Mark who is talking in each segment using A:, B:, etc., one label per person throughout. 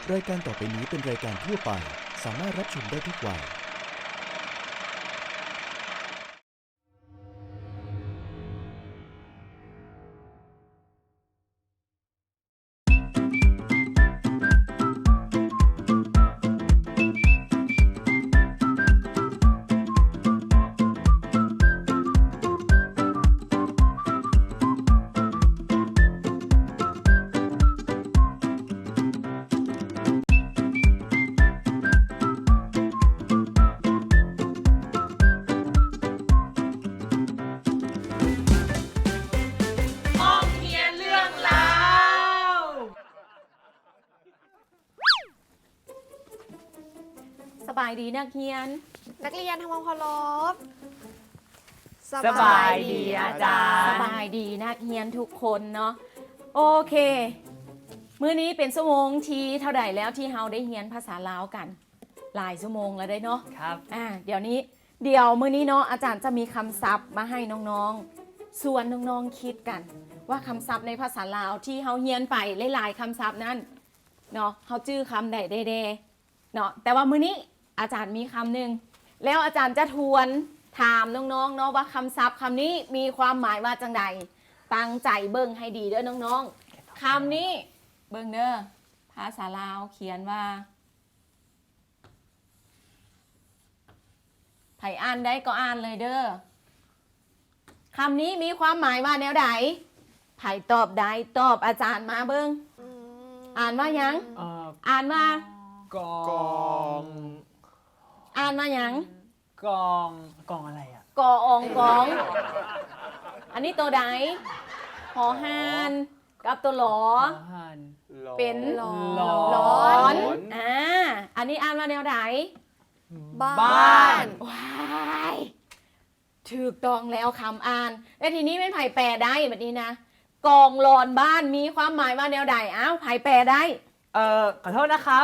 A: รายการต่อไปนี้เป็นรายการทั่วไปสามารถรับชมได้ทุกวัย
B: สบายดีนักเรียน
C: นักเรียนทำความเคารพ
D: สบายดีอาจารย์
B: สบายดีนักเรียนทุกคนเนาะโอเคมื้อนี้เป็นชั่วโมงที่เท่าใดแล้วที่เราได้เรียนภาษาลาวกันหลายชั่วโมงแล้วได้เนาะ
D: ครับ
B: เดี๋ยวมื้อนี้เนาะอาจารย์จะมีคำศัพท์มาให้น้องๆส่วนน้องๆคิดกันว่าคำศัพท์ในภาษาลาวที่เราเรียนไปหลายๆคำศัพท์นั้นเนาะเขาจื้อคำใดเด้ๆเนาะแต่ว่ามื้อนี้อาจารย์มีคำหนึ่งแล้วอาจารย์จะทวนถามน้องๆเนาะว่าคำศัพท์คำนี้มีความหมายว่าจังใดตั้งใจเบิ่งให้ดีเด้อน้องๆคำนี้เบิ่งเด้อภาษาลาวเขียนว่าไผอ่านได้ก็อ่านเลยเด้อคำนี้มีความหมายว่าแนวใดไผตอบได้ตอบอาจารย์มาเบิ่งอ่านว่าหยังอ่านว่าก
D: อง
B: อ่านว่าหยัง
D: กองกองอะไรอ่ะ
B: กอองกอง อันนี้ตัวใดหอหานกับตัวหลอ
D: หัน
B: เป็น
C: หล
B: ร้
C: อ
B: อน นอันนี้อ่านว่าแนวใด
C: บ้าน
B: ว้ายถูกต้องแล้วคำอ่านแล้วทีนี้เป็นไผ่แปลได้แบบนี้นะกองหลอนบ้านมีความหมายว่าแนวใดอ้าวไผ่แปลได้
D: ขอโทษนะครับ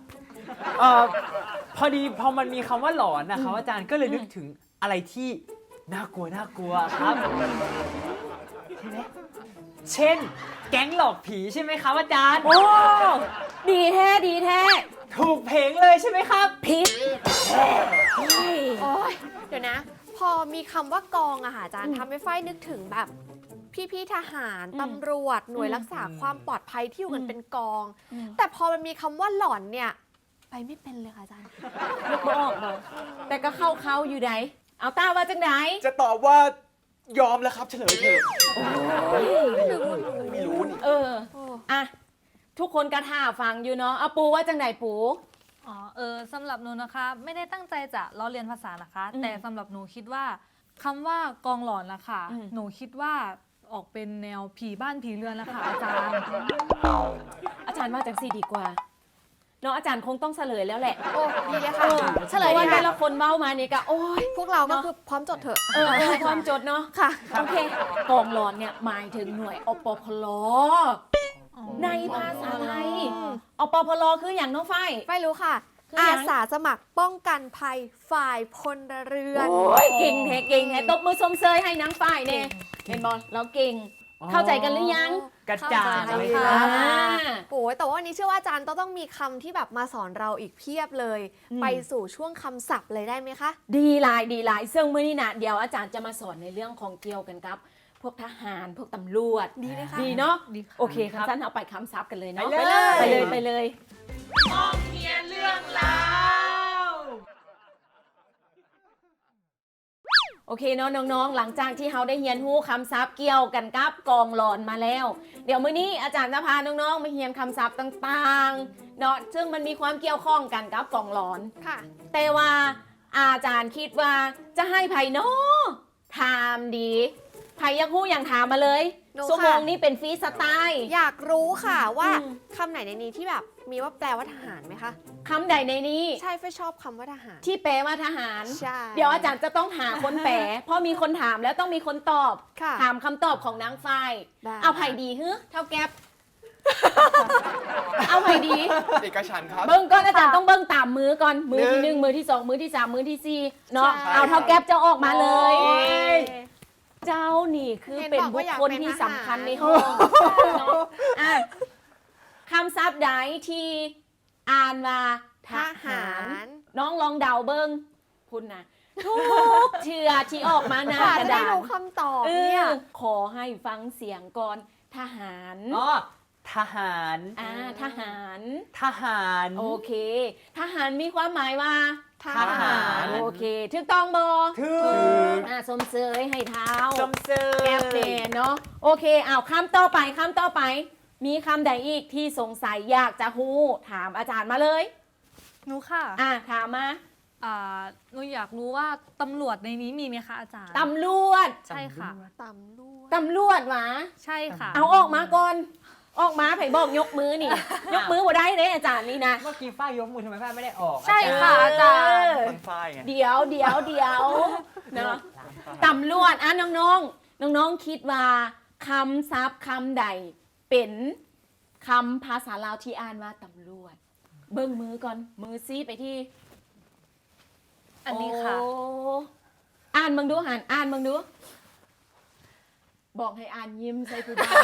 D: พอดีพอมันมีคำว่าหลอนนะครับอาจารย์ก็เลยนึกถึงอะไรที่น่ากลัวครับใช่ไหมเช่น แก๊งหลอกผีใช่ไหมครับอาจารย์
B: โอ้ดีแท้ดีแท้
D: ถูกเพลงเลยใช่ไหมครับ
B: พิษ
C: โอ้ยเดี๋ยวนะ พอมีคำว่ากองอะค่ะอาจารย์ทำให้ฝ้ายนึกถึงแบบพี่ๆทหารตำรวจหน่วยรักษาความปลอดภัยที่อยู่กันเป็นกอง แต่พอมันมีคำว่าหลอนเนี่ยไปไม่เป็นเลยค่ะอาจารย์
B: นึกบ่ออกบ่แต่ก็เข้าอยู่ไหนเอาตาว่าจังไหน
E: จะตอบว่ายอมแล้วครับเฉลยเถอะไม่รู้นี่
B: อ่ะทุกคนกระท่าฟังอยู่เนาะเอาปูว่าจังไหนปู
F: สำหรับหนูนะคะ ไม่ได้ตั้งใจจะล้อเลียนภาษานะคะ
B: อืม
F: แต่สำหรับหนูคิดว่าคำว่ากองหลอนนะคะ
B: อืม
F: หนูคิดว่าออกเป็นแนวผีบ้านผีเรือนนะคะอาจารย์
B: อาจารย์ว่าจังสี่ดีกว่าเนาะอาจารย์คงต้องเฉลยแล้วแหละ
C: โอ้ดีเลยค่ะเฉลย
B: พราะ
C: ดี
B: ว่าแต่
C: ค่ะ
B: ละคนเมามาเนี่ยก็โอ้ย
C: พวกเราก็
B: เนอะ
C: คือพร้อมจดเถอะ
B: ความจดเนาะ
C: ค่ะ
B: โอเคกองหลอนเนี่ยหมายถึงหน่วยอปพลในภาษาไทยอปพลคืออย่างน้องฝ้าย
C: ไม่รู้ค่ะ
B: คือยัง
C: อาสาสมัครป้องกันภัยฝ่ายพลเรือน
B: โอ้ยเก่งแท้ตบมือชมเชยให้นางฝ้ายเนี่ยเห็นบอลเราเก่ง เข้าใจกันหรือยัง
D: กระจ่าง
C: เข้าใจ
D: เลย
C: ค่ะ
D: ครับ
C: โอ้ยแต่ว่าวันนี้เชื่อว่าอาจารย์ต้องมีคำที่แบบมาสอนเราอีกเพียบเลย
B: อืม
C: ไปสู่ช่วงคำศัพท์เลยได้ไหมคะ
B: ดีหลายซึ่งมื้อนี้นะเดี๋ยวอาจารย์จะมาสอนในเรื่องของเกี่ยวกันครับพวกทหารพวกตำรวจ
C: ดีเลยค่ะ
B: ดีเนาะ
F: ดีค่ะ
B: โอเคครับท่านเอาไปคำซับกันเลยเนาะ
D: ไปเลย
B: ไปเลยโอเคเนาะน้องๆหลังจากที่เขาได้เรียนรู้คำศัพท์เกี่ยวกันกับกองหลอนมาแล้ว เดี๋ยวมื้อนี้อาจารย์จะพาน้องๆมาเรียนคำศัพท์ต่างๆเนาะซึ่งมันมีความเกี่ยวข้องกันกับกองหลอน
C: ค่ะ
B: แต่ว่าอาจารย์คิดว่าจะให้ไผ่เนาะถามดีไผ่อยักหู้อย่างถามมาเลย
C: หนูค่ะ
B: ชั่วโมงนี้เป็นฟรีสไตล์
C: อยากรู้ค่ะว่า
B: อืม
C: คำไหนในนี้ที่แบบมีว่าแปลว่าทหารไหมคะ
B: คำใดในนี้
C: ใช่ไฟชอบคำว่าทหาร
B: ที่แปลว่าทหาร
C: ใช่
B: เดี๋ยวอาจารย์จะต้องหาคนแปล เพราะมีคนถามแล้วต้องมีคนตอบ
C: ค่ะ
B: ถามคำตอบของนางฝ้าย
C: ได้
B: เอาไผ่ดีฮึเท่าแก๊ป เอาไผ่ดี
E: เอกฉันท์ครับ
B: เบิ้งก่อนอาจารย์ต้องเบิ้งตามมือก่อน มือที่หนึ่งมือที่สองมือที่สามมือที่สี่เนาะ
C: ใช่
B: เอาเท่าแก๊ปจะออกมาเลย
C: โอ้ย
B: เจ้านี่คือ
C: เห็น
B: เป็น
C: บอก
B: บุ
C: ว่า
B: ค
C: อยาก
B: คล
C: เป็น
B: ที่
C: ทหาร
B: สำคัญในห้องเนาะอ่ะคำศัพท์ใดที่อ่านว่าท
C: ท
B: หา
C: หาร ร
B: น้องลองเดาเบิ้งคุณนะทุกเชื่อที่ออกมาหน้าก
C: ค่ะ
B: ระ
C: จะได้
B: ดาษ
C: รู้คำตอบ
B: เอ
C: เนี่ย
B: อขอให้ฟังเสียงก่อนทหาร
D: อ๋อทหาร
B: ทหาร
D: ทหาร
B: โอเค ทหารมีความหมายว่า
C: ทหาร
B: โอเคถูกต้องบอ
D: ถึง
B: สมเสยให้เท้า
D: จมเซย
B: แก้เปลี่ยนเนาะโอเคเอาคำต่อไปคำต่อไป มีคำใดอีกที่สงสัยอยากจะฮู้ถามอาจารย์มาเลย
F: หนูค่ะ
B: ถามมา
F: หนูอยากรู้ว่าตำรวจในนี้มีไหมคะอาจารย์
B: ตำรวจ
F: ใช่ค่ะ
C: ตำรวจ
B: ตำรวจหวะ
F: ใช่ค่ะ
B: เอาออกมาก่อน ออกมาไผ่บอกยกมือนี่ ยกมือบ่ได้เลยอาจารย์นี่นะ
D: เมื่อกี้ฝ้ายยกมือทำไมฝ้ายไม่ได้ออก
F: ใช่ค่ะอาจารย์
E: มันฝ้ายไง
B: เดี๋ยวเนาะตำรวจน้องคิดว่าคำศัพท์คำใดเป็นคำภาษาลาวที่อ่านว่าตำรวจ เบิ้งมือก่อนมือซีไปที่
F: อันนี้ค่ะ
B: โอ้อ่านมึงดูอ่านมึงดู บอกให้อ่านยิ้มใส่ผู้บ่าว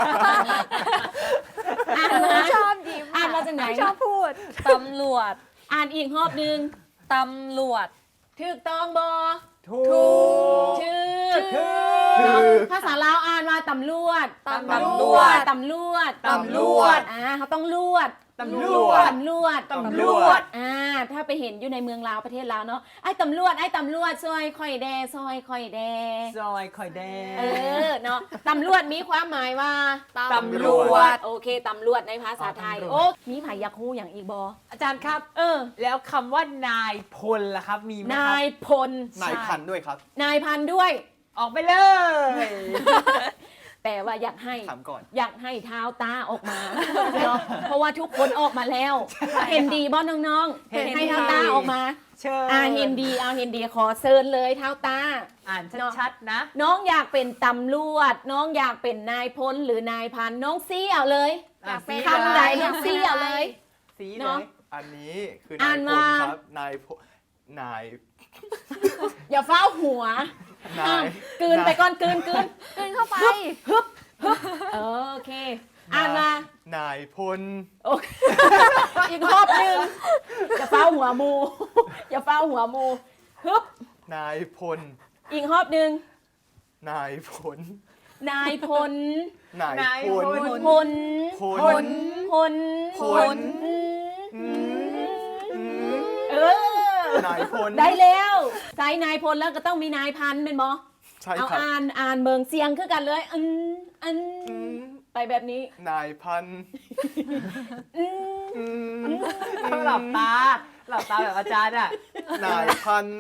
B: อ่านมา
C: ชอบยิ้ม
B: อ่านมาจากไหน
C: ชอบพูด
F: ตำรวจ
B: อ่านอีกรอบหนึง
F: ตำรวจ
B: ถูกต้องบอ
D: ถูก
B: ชื่อ
D: ถูก
B: เนาะภาษาลาวอ่านว่าตำรวจ
C: ตำรวจ
B: ตำรวจ
D: ตำรวจ
B: เขาต้องลวด
D: ตำรวจ
B: ตำรวจ
D: ตำรวจ
B: ถ้าไปเห็นอยู่ในเมืองลาวประเทศลาวเนาะไอ้ตำรวจซอยค่อยแดซอยค่อยแด
D: ซอยคอยแดง
B: เนาะตำรวจมีความหมายว่า
C: ตำรวจ
B: โอเคตำรวจในภาษาไทย
D: ตำรวจ
B: โอ้มีไผอยากฮู้อย่างอีกบอ
D: อาจารย์ครับ แล้วคำว่านายพลล่ะครับ มีไหมครั
B: นาย
D: บ
B: พล
E: นายพันธุ์ด้วยครับ
B: นายพันด้วย
D: ออกไปเลย
B: แต่ว่าอยากให้
E: ถามก่อน
B: อยากให้เท้าตาออกมาเนาะเพราะว่าทุกคนออกมาแล้ว เห็นดีบ่น้องๆ
D: เห็นดี
B: ให้เท้าตาออกมา
D: เชิญ
B: เห็นดีขอเชิญเลยเท้าตา
D: อ่านชัดๆนะ
B: น้องอยากเป็นตำรวจ น้องอยากเป็นนายพลหรือนายพันน้องซี่เอาเลย
D: อ่านสี
B: คำใด
D: เลย
B: น้องซี่เอาเลย
D: สีเล
B: เนาะ
D: ย
E: อันนี้คือ
B: อ่าน
E: นายพล
B: มา
E: ครับ นายพลนาย
B: อย่าเฝ้าหัว
E: นาย
B: กลืนไปก่อนกลืน
C: ขึ้นเข้าไป
B: โอเค อ่านมา
E: นายพล
B: โอเค อีกรอบหนึ่งอย่าเฝ้าหัวมู อย่าเฝ้าหัวมูฮึบ
E: นายพล
B: อีกรอบหนึ่ง
E: นายพล
B: นายพล
E: นาย
D: นาย
E: พ
D: พ
E: ล
D: ล
B: พล
E: พ
B: พ
E: ล
B: ลพล
E: พล อืม
B: เออ
E: นายพล
B: ได้แล้วใส่นายพลแล้วก็ต้องมีนายพันเป็นบอ
E: ใช่
B: เอา
E: ครับ
B: อ่านเบิงเสียงคือกันเลยอัน
E: อืม
B: ไปแบบนี้
E: นายพันธุ์
B: อืม
E: อืม
D: หลับตาแบบอาจารย์อ่ะ
E: นายพันธุ์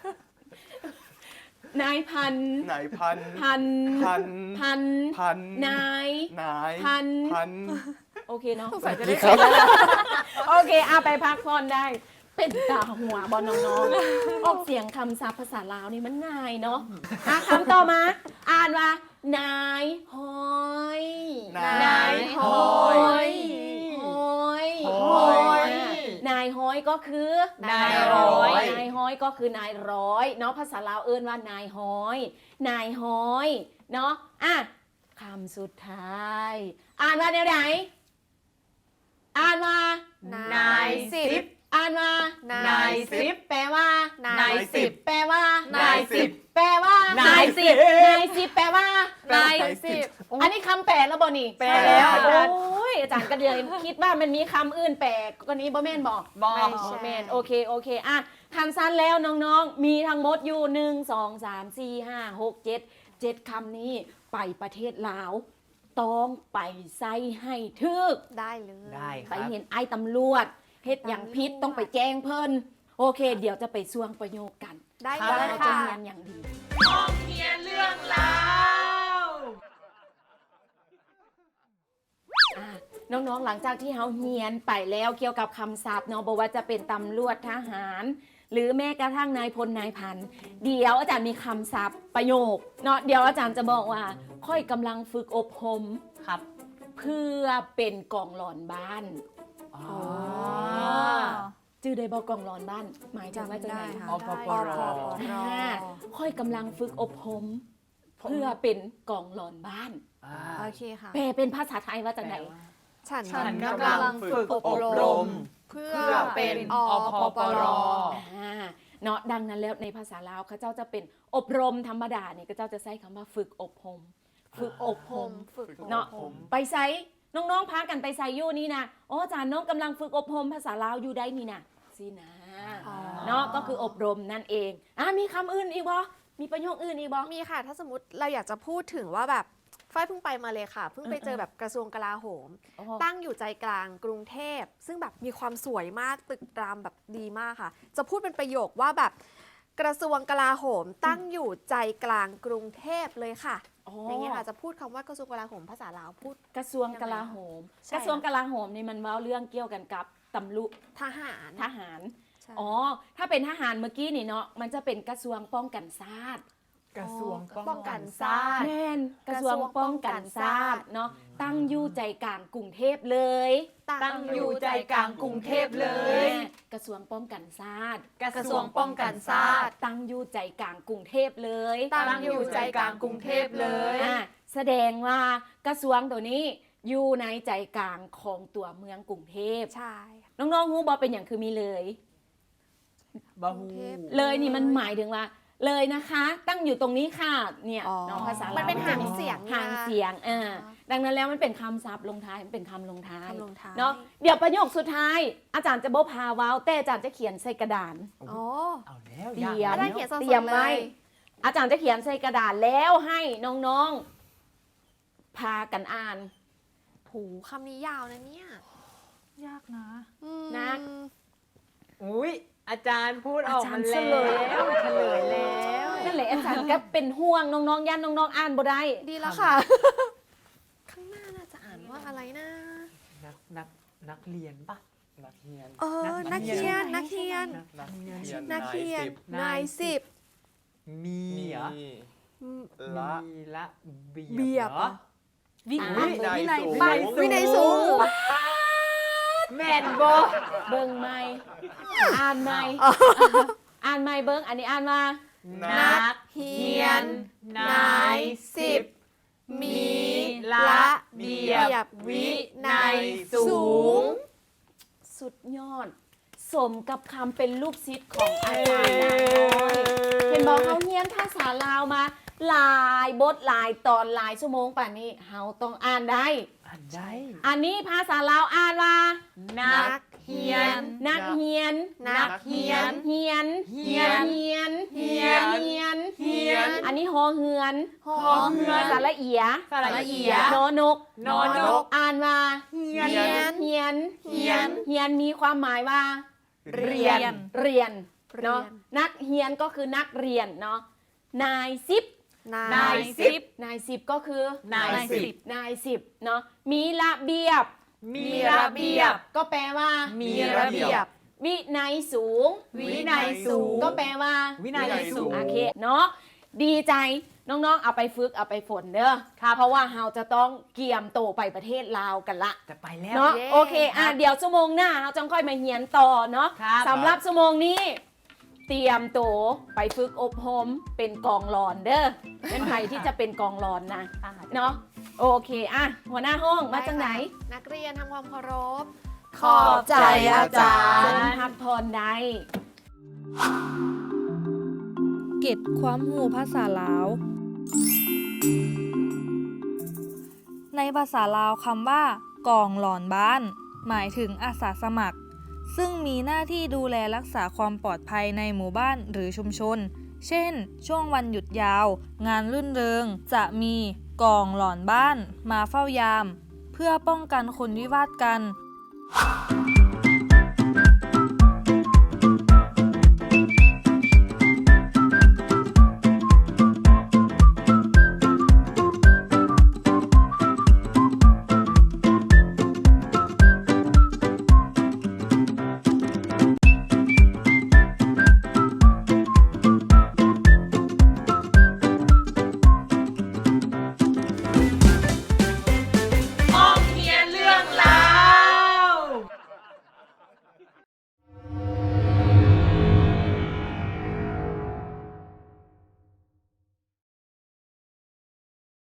B: นายพัน
E: นายพันธุ์
B: พัน
E: พันธุ์
B: พัน
E: พันธุ์
B: นาย
E: นาย
B: พัน
E: พันธุ์
B: โอเคเนาะ
C: ใส่จะได้
E: ครับ
B: โอเคเอาไปพักผ่อนได้ เป็นตาหัวบอลน้องๆ ออกเสียงคำศัพท์ภาษาลาวนี่มันง่ายเนาะคำต่อมา อ่านว่า นายหอย
E: นายหอย
B: หอย
E: หอย
B: นายหอยก็คือ
D: นายร้อย
B: นายหอยก็คือนายร้อยเนาะภาษาลาวเอิ้นว่านายหอย นายหอยเนาะคำสุดท้าย อ่านว่าแนวไหนอ่านว่า
C: นายสิบ
B: อ่านว่า
C: นายสิบ
B: แปลว่า
C: นายสิบ
B: แปลว่า
C: นายสิบ
B: แปลว่า
D: นายสิบ
B: นายสิบแปลว่า
C: นายสิบ
B: อันนี้คำแปลแล้วบ่นี่
D: แปลแล้ว
B: โอ้ยอาจารย์ก็เดียวคิดว่ามันมีคำอื่นแปลก็นี้บ่แม่นบอก
D: บอก
C: ไม่
B: อ๋อ
C: ใช่
B: แม่นโอเคทันสั้นแล้วน้องๆ มีทั้งหมดอยู่1 2 3 4 5 6 7คำนี้ไปประเทศลาวต้องไปใส่ให้ทึก
C: ได้เลย
D: ได้ค
B: ไป
D: รับ
B: เห็นไอ้ตำรวจเฮ็ดอย่างพิษต้องไปแจ้งเพิ่นโอเค เดี๋ยวจะไปสวงประโยคกัน
C: ได้
D: ครั
C: เล
D: บ
C: ย
B: เราจะ
C: ค่ะ
B: เรียนอย่างดีน้องๆหลังจากที่เขาเฮียนไปแล้วเกี่ยวกับคำศัพท์เนาะบอกว่าจะเป็นตำรวจทหาร หรือแม้กระทั่งนายพลนายพันเดี๋ยวอาจารย์มีคำศัพท์ประโยคเนาะเดี๋ยวอาจารย์จะบอกว่า ค่อยกำลังฝึกอบรม
D: ครับ
B: เพื่อเป็นกองหลอนบ้าน
D: อ๋อ
B: จื่อได้บอกกองร้อนบ้าน หมายถึงว่าจะไหน
C: จำได้ค่ะ
D: อปปร
B: ค่อยกำลังฝึกอบรมเพื่อเป็นกองร้อนบ้าน
C: โอเคค่ะ
B: แปลเป็นภาษาไทยว่าจากไหน
C: ฉัน
D: ฉัน
C: กำ
D: กำลั
C: ลัง
D: ง
C: ฝึ
D: ฝึ
C: ก
D: ก
C: อ
D: อ
C: บบ ร
D: ร
C: ม
D: ม
C: เพื่อ
E: เพื่อเป็
C: เป็น
E: น
C: อพปร
B: เนาะดังนั้นแล้วในภาษาลาวเขาเจ้าจะเป็นอบรมธรรมดาเนี่ยก็เจ้าจะใช้คำว่าฝึกอบรมฝึกอบรม
C: ฝึก
B: เนาะ
C: อบรม
B: ไปไซน้องๆพากันไปไซอยู่นี่นะโอ้อาจารย์น้องกำลังฝึกอบรมภาษาลาวอยู่ได้นี่นะสินะ
C: อ๋อ
B: เนาะก็คืออบรมนั่นเองมีคำอื่นอีกบ่มีประโยคอื่นอีกบ่
C: มีค่ะ ถ้าสมมติเราอยากจะพูดถึงว่าแบบฝ้ายเพิ่งไปมาเลยค่ะ เพิ่งไปเจอแบบกระทรวงกลาโหม
B: อ๋อ
C: ตั้งอยู่ใจกลางกรุงเทพ ซึ่งแบบมีความสวยมากตึกรามแบบดีมากค่ะ จะพูดเป็นประโยคว่าแบบกระทรวงกลาโหม ตั้งอยู่ใจกลางกรุงเทพเลยค่ะ อย่างเงี้ยค่ะจะพูดคำว่ากระทรวงกลาโหมภาษาลาวพูด
B: กระทรวงกลาโหม
C: ใช่
B: กระทรวงกลาโหมนี่มันเว้าเรื่องเกี่ยวกันกับตำรวจ
C: ทหาร
B: ทหาร
C: ใช่
B: อ๋อถ้าเป็นทหารเมื่อกี้นี่เนาะมันจะเป็นกระทรวงป้องกันชาติ
D: กระทรวง
C: ป้องกันชาติ
B: แม่นกระทรวงป้องกันชาติเนาะตั้งอยู่ใจกลางกรุงเทพเลย
C: ตั้งอยู่ใจกลางกรุงเทพเลย
B: กระทรวงป้องกันชาติ
D: กระทรวงป้องกันชาติ
B: ตั้งอยู่ใจกลางกรุงเทพเลย
C: ตั้งอยู่ใจกลางกรุงเทพเลย
B: แสดงว่ากระทรวงตัวนี้อยู่ในใจกลางของตัวเมืองกรุงเทพ
C: ใช่
B: น้องๆฮู้บ่เป็นอย่างคือมีเลย
D: บาฮู
B: เลยนี่มันหมายถึงว่าเลยนะคะ ตั้งอยู่ตรงนี้ค่ะเนี่ย
C: อ๋อ
B: น้องภาษา
C: มั
B: มัน
C: เป็นหางเสียง
B: หางเสียงดังนั้นแล้วมันเป็นคำศัพท์ลงท้ายมันเป็นคำลงท้าย
C: คำลงท้าย
B: เนาะเดี๋ยวประโยคสุดท้าย อาจารย์จะบ่พาเว้าแต่อาจารย์จะเขียนใส่กระดาน
C: อ๋อ
D: เอาแล้ว
B: เตรียม
D: ยาก
C: อาจารย์
D: แล้ว
C: เขียนสดๆ
B: เตรียมไว้
C: เลย
B: อาจารย์จะเขียนใส่กระดาษแล้วให้น้องๆ พากันอ่าน
C: หูคำนี้ยาวนะเนี่ย
F: ยากนะ
B: นัก
D: อุ้ยอาจารย์พูดออกมา
B: อาจารย์
D: แล้
B: เฉลย
D: วเฉลยแล้ว
B: นั่นแหละอาจารย์ก็เป็นห่วงน้องๆย่านน้องๆอ่านบ่ได้
C: ดีแล้วค่ะ ข้างหน้าน่าจะอ่านว่าอะไรนะ
D: นักเรียนปะ
E: นักเรียน
C: นักเรียน นักเรียน
E: นักเรียน
C: นักเรียน
E: น
C: นายสิบ
D: มี
E: มี
D: เหรอ
E: ละ
D: มีละเบียบ
C: เบียบ
D: เหรอ
F: วิ
B: อ่ะ
F: วินัย
E: สูง
F: ไป
C: วินัยสูง
D: แม่นบอ
B: เบิ่งไม่อ่านไม่อ่านไม่เบิ่งอันนี้อ่านมา
C: นักเรียน นายสิบ มีละเบียบ วินัยสูง
B: สุดยอด สมกับคำเป็นลูกศิษย์ของอาจารย์นางน้อยเห็นบอกเขาเรียนภาษาลาวมาหลายบทหลายตอนหลายชั่วโมงป่านนี้เฮาต้องอ่านได้
D: อ่านได้
B: อันนี้ภาษาลาวอ่านว่า
C: นักเรียน
B: นักเฮียน
C: นักเรียน
B: เฮียน
C: เฮียน
B: เฮียน
C: เฮียน
B: เฮียน
C: เฮียน
B: อันนี้ฮอเฮือน
C: หอเฮือน
B: สระเอีย
D: สระเอีย
B: นอนก
D: นอนก
B: อ่านว่า
C: เฮียน
B: เฮียน
C: เฮียน
B: เฮียนมีความหมายว่า
C: เรียน
B: เรียนเนาะ
C: เรียน
B: นักเฮียนก็คือนักเรียนเนาะนายสิบ
C: นายสิบ
B: นายสิบก็คือน
F: ายสิบ
B: นายสิบเนาะมีระเบียบ
D: มีระเบียบ
B: ก็แปลว่า
D: มีระเบียบ
B: วินัยสูง
C: วินัยสูง
B: ก็แปลว่า
D: วินัยสูง
B: โอเคเนาะดีใจน้องๆเอาไปฝึกเอาไปฝนเด้อเพราะว่าเราจะต้องเกี่ยมโตไปประเทศลาวกันละ
D: จะไปแล้ว
B: เนาะ
C: เย้
B: โอเคเดี๋ยวชั่วโมงหน้าเราจะค่อยมาเฮียนต่อเนาะ
D: ครับ
B: สำหรับชั่วโมงนี้ เตรียมโตไปฝึกอบรมเป็นกองรอนเด้อเป็นใครที่จะเป็นกองรอนนะเนาะโอเคหัวหน้าห้องมาจากไหน
C: นักเรียนทำความเคารพ
B: ขอบใจอาจาร
C: ย์
B: ย์พักผ่อนได้
F: เก็บความหูภาษาลาว ในภาษาลาวคำว่ากองหลอนบ้าน หมายถึงอาสาสมัคร ซึ่งมีหน้าที่ดูแลรักษาความปลอดภัยในหมู่บ้านหรือชุมชน เช่น ช่วงวันหยุดยาว งานรื่นเริง จะมีกองหลอนบ้านมาเฝ้ายาม เพื่อป้องกันคนวิวาทกัน